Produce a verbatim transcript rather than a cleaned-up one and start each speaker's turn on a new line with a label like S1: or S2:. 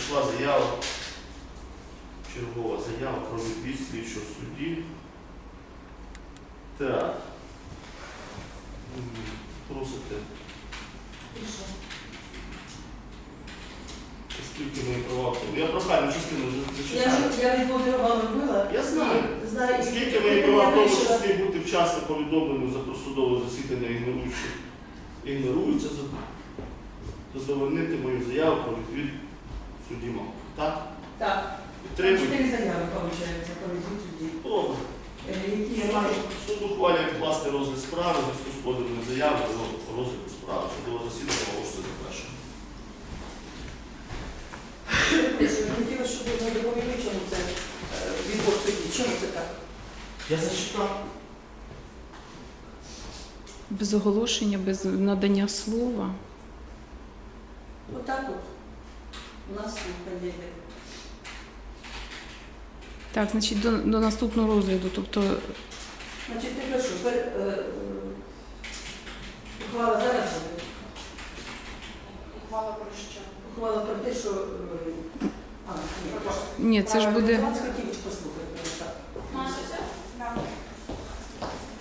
S1: надійшла заява, чергова заява про відвід слідчого судді. Так. М, Просите, скільки мої права. Я прохальну частину вже
S2: Я
S1: зачитаю.
S2: ж я відповідь вам робила.
S1: Я знаю.
S2: Знаю.
S1: Скільки мої права в тому числі бути вчасно повідомленням за просудове засідання ігноруючи, ігноруються, задовольнити мою заяву про відвід судді Мавки. Так?
S2: Так.
S1: Підтримуйте.
S2: Чотири заяви, виходить, про відвід судді.
S1: Добре.
S2: Е, Які я маю.
S1: Суд ухвалює відкласти розгляд справи, в зв'язку з поданою заявою про розгляд справи. Судове засідання оголошується завершеним.
S2: Я хотіла, щоб ви доповіли, чому це е, відбор судді. Чому це так?
S1: Я зачитав.
S3: Без оголошення, без надання слова.
S2: Отак от. У нас тут йде.
S3: Так, значить, до, до наступного розгляду, тобто
S2: Значить, ти прошу, пер, е, е, ухвала зараз буде.
S4: Ухвала про що?
S2: Ухвала про те, що... е, А, ні,
S3: ні, це ж буде.
S2: Вас хотів